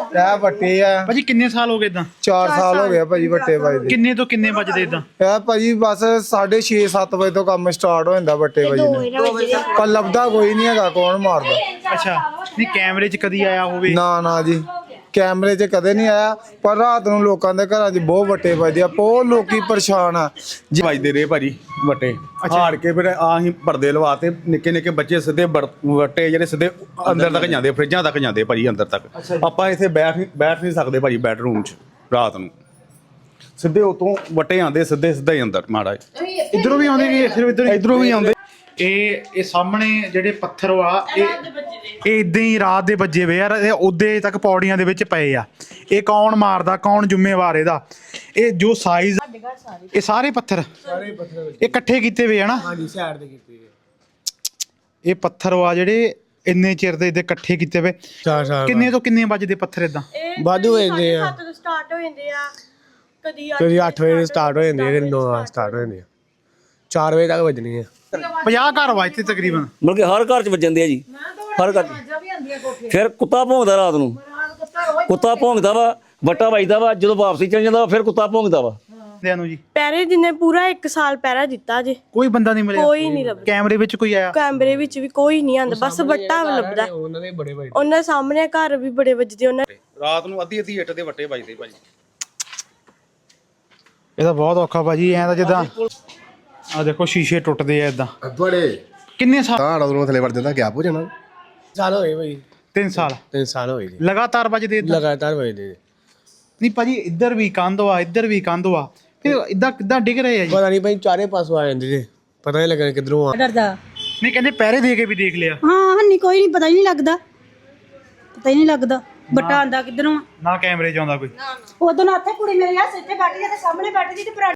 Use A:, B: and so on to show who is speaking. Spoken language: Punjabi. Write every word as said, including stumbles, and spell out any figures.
A: ਇਹ ਵੱਟੇ ਆ
B: ਭਾਜੀ ਕਿੰਨੇ ਸਾਲ ਹੋ ਗਏ ਇਦਾਂ?
A: ਚਾਰ ਸਾਲ ਹੋ ਗਏ ਭਾਜੀ ਵੱਟੇ ਵੱਜਦੇ।
B: ਕਿੰਨੇ ਤੋਂ ਕਿੰਨੇ ਵੱਜਦੇ ਇਦਾਂ?
A: ਇਹ ਭਾਜੀ ਬਸ ਸਾਢੇ ਛੇ ਸੱਤ ਵਜੇ ਤੋਂ ਕੰਮ ਸਟਾਰਟ ਹੋ ਜਾਂਦਾ ਵੱਟੇ ਵੱਜਦੇ, ਪਰ ਲੱਭਦਾ ਕੋਈ ਨਹੀਂ ਹੈਗਾ ਕੌਣ ਮਾਰਦਾ।
B: ਅੱਛਾ, ਨਹੀਂ ਕੈਮਰੇ 'ਚ ਕਦੀ ਆਇਆ ਹੋਵੇ?
A: ਨਾ ਨਾ ਜੀ, ਕੈਮਰੇ 'ਚ ਕਦੇ ਨਹੀਂ ਆਇਆ, ਪਰ ਰਾਤ ਨੂੰ ਲੋਕਾਂ ਦੇ ਘਰਾਂ 'ਚ ਬਹੁਤ ਵੱਟੇ ਵੱਜਦੇ ਆ, ਬਹੁਤ ਲੋਕੀ ਪਰੇਸ਼ਾਨ ਆ।
C: ਵੱਜਦੇ ਰਹੇ ਭਾਜੀ ਵੱਟੇ, ਹਾਰ ਕੇ ਫਿਰ ਆਹੀਂ ਪਰਦੇ ਲਵਾਤੇ, ਨਿੱਕੇ ਨਿੱਕੇ ਬੱਚੇ ਸਿੱਧੇ ਵੱਟੇ ਜਿਹੜੇ ਸਿੱਧੇ ਅੰਦਰ ਤੱਕ ਜਾਂਦੇ, ਫਰਿੱਜਾਂ ਤੱਕ ਜਾਂਦੇ ਭਾਜੀ ਅੰਦਰ ਤੱਕ। ਆਪਾਂ ਇੱਥੇ ਬੈਠ ਬੈਠ ਨਹੀਂ ਸਕਦੇ ਭਾਜੀ ਬੈਡਰੂਮ 'ਚ ਰਾਤ ਨੂੰ, ਸਿੱਧੇ ਉਤੋਂ ਵੱਟੇ ਆਉਂਦੇ ਸਿੱਧੇ ਸਿੱਧਾ ਹੀ ਅੰਦਰ ਮਾੜਾ।
B: ਇਧਰੋਂ ਵੀ ਆਉਂਦੇ ਨੇ, ਸਿਰਫ ਇਧਰ
C: ਇਧਰੋਂ ਵੀ ਆਉਂਦੇ।
B: ਇਹ ਇਹ ਸਾਹਮਣੇ ਜਿਹੜੇ ਪੱਥਰ ਆ ਇਹ ਇਹ ਇਦਾਂ ਹੀ ਰਾਤ ਦੇ ਵੱਜੇ ਵੇ ਯਾਰ, ਇਹ ਉਦੇ ਤੱਕ ਪੌੜੀਆਂ ਦੇ ਵਿੱਚ ਪਏ ਆ। ਇਹ ਕੌਣ ਮਾਰਦਾ, ਕੌਣ ਜ਼ਿੰਮੇਵਾਰ ਇਹਦਾ? ਇਹ ਜੋ ਸਾਈਜ਼, ਇਹ ਸਾਰੇ ਪੱਥਰ
A: ਸਾਰੇ ਪੱਥਰ
B: ਇਹ ਇਕੱਠੇ ਕੀਤੇ ਵੇ ਆ ਨਾ?
A: ਹਾਂਜੀ, ਸਾਈਡ ਤੇ ਕੀਤੇ
B: ਇਹ ਪੱਥਰ ਆ ਜਿਹੜੇ ਇੰਨੇ ਚਿਰ ਦੇ ਇਹਦੇ ਇਕੱਠੇ ਕੀਤੇ ਵੇ।
A: ਚਾਰ ਸਾਲ
B: ਕਿੰਨੇ ਤੋਂ ਕਿੰਨੇ ਵੱਜਦੇ ਪੱਥਰ ਇਦਾਂ?
A: ਵਾਧੂ ਹੋ ਜਾਂਦੇ ਆ,
D: ਸੱਤ ਤੋਂ ਸਟਾਰਟ ਹੋ ਜਾਂਦੇ ਆ, ਕਦੀ
A: ਕਦੀ ਅੱਠ ਵਜੇ ਸਟਾਰਟ ਹੋ ਜਾਂਦੇ ਆ, ਕਦੀ ਨੌ ਵਜੇ ਸਟਾਰਟ ਹੋ ਜਾਂਦੇ ਆ, ਚਾਰ ਵਜੇ ਤੱਕ ਵੱਜਣੀ ਆ।
B: ਪੰਜਾਹ ਘਰ ਵਾ ਇੱਥੇ ਤਕਰੀਬਨ।
E: ਮਤਲਬ ਕਿ ਹਰ ਘਰ 'ਚ ਵੱਜਦੇ ਆ ਜੀ, ਹਰ ਘਰ 'ਚ। ਫਿਰ ਕੁੱਤਾ ਭੌਂਕਦਾ ਰਾਤ ਨੂੰ, ਕੁੱਤਾ ਭੌਂਕਦਾ ਵਾ, ਵੱਟਾ ਵੱਜਦਾ ਵਾ, ਜਦੋਂ ਵਾਪਸੀ ਚੱਲ ਜਾਂਦਾ ਵਾ ਫਿਰ ਕੁੱਤਾ ਭੌਂਕਦਾ ਵਾ।
B: ਨੂੰ ਜੀ
D: ਪਹਿਰੇ ਜਿੰਨੇ ਪੂਰਾ ਇੱਕ ਸਾਲ ਪਹਿਰਾ ਦਿੱਤਾ ਜੇ,
B: ਕੋਈ ਬੰਦਾ ਨਹੀਂ ਮਿਲਿਆ?
D: ਕੋਈ ਨਹੀਂ ਲੱਭਦਾ।
B: ਕੈਮਰੇ ਵਿੱਚ ਕੋਈ ਆਇਆ?
D: ਕੈਮਰੇ ਵਿੱਚ ਵੀ ਕੋਈ ਨਹੀਂ ਆਂਦਾ, ਬਸ ਵੱਟਾ ਲੱਭਦਾ।
A: ਉਹਨਾਂ ਦੇ ਬੜੇ ਵੱਜਦੇ,
D: ਉਹਨਾਂ ਸਾਹਮਣੇ ਘਰ ਵੀ ਬੜੇ ਵੱਜਦੇ। ਉਹਨਾਂ
C: ਰਾਤ ਨੂੰ ਅੱਧੀ ਅੱਧੀ ਇੱਟ ਦੇ ਵੱਟੇ ਵੱਜਦੇ ਭਾਜੀ।
B: ਇਹ ਤਾਂ ਬਹੁਤ ਔਖਾ ਭਾਜੀ, ਐਂ ਤਾਂ ਜਿੱਦਾਂ ਆ ਦੇਖੋ ਸ਼ੀਸ਼ੇ ਟੁੱਟਦੇ ਆ ਇਦਾਂ।
F: ਬੜੇ
B: ਕਿੰਨੇ ਸਾਲ?
F: ਤਾਂ ਉਦੋਂ ਥੱਲੇ ਵੜ ਜਾਂਦਾ ਗੈਪ ਹੋ ਜਾਣਾ।
A: ਸਾਲ ਹੋਏ ਭਾਈ,
B: ਤਿੰਨ ਸਾਲ
A: ਤਿੰਨ ਸਾਲ ਹੋਏ ਜੀ
B: ਲਗਾਤਾਰ ਵੱਜਦੇ ਏਦਾਂ?
A: ਲਗਾਤਾਰ ਵੱਜਦੇ।
B: ਨਹੀਂ ਭਾਜੀ, ਇੱਧਰ ਵੀ ਕੰਧ ਆ, ਇੱਧਰ ਵੀ ਕੰਧ ਆ, ਫਿਰ ਇਦਾਂ ਕਿੱਦਾਂ ਡਿੱਗ ਰਹੇ ਆ ਜੀ?
A: ਪਤਾ ਨਹੀਂ ਭਾਈ, ਚਾਰੇ ਪਾਸੋਂ ਆ ਜਾਂਦੇ ਜੀ, ਪਤਾ ਨਹੀਂ ਲੱਗਣਾ ਕਿੱਧਰੋਂ ਆ।
G: ਡਰਦਾ
B: ਨਹੀਂ ਕਹਿੰਦੇ ਪਹਿਰੇ ਦੇ ਕੇ ਵੀ ਦੇਖ ਲਿਆ।
G: ਹਾਂ ਨਹੀਂ, ਕੋਈ ਨਹੀਂ, ਪਤਾ ਹੀ ਨਹੀਂ ਲੱਗਦਾ, ਪਤਾ ਹੀ ਨਹੀਂ ਲੱਗਦਾ ਬੱਟਾ ਆਂਦਾ ਕਿੱਧਰੋਂ।
B: ਨਾ ਕੈਮਰੇ 'ਚ ਆਉਂਦਾ ਕੋਈ?
G: ਉਦੋਂ ਨਾ ਇੱਥੇ ਕੁੜੀ ਮੇਰੇ ਆ ਇੱਥੇ ਬੈਠੀ ਤੇ ਸਾਹਮਣੇ ਬੈਠੀ ਸੀ ਤੇ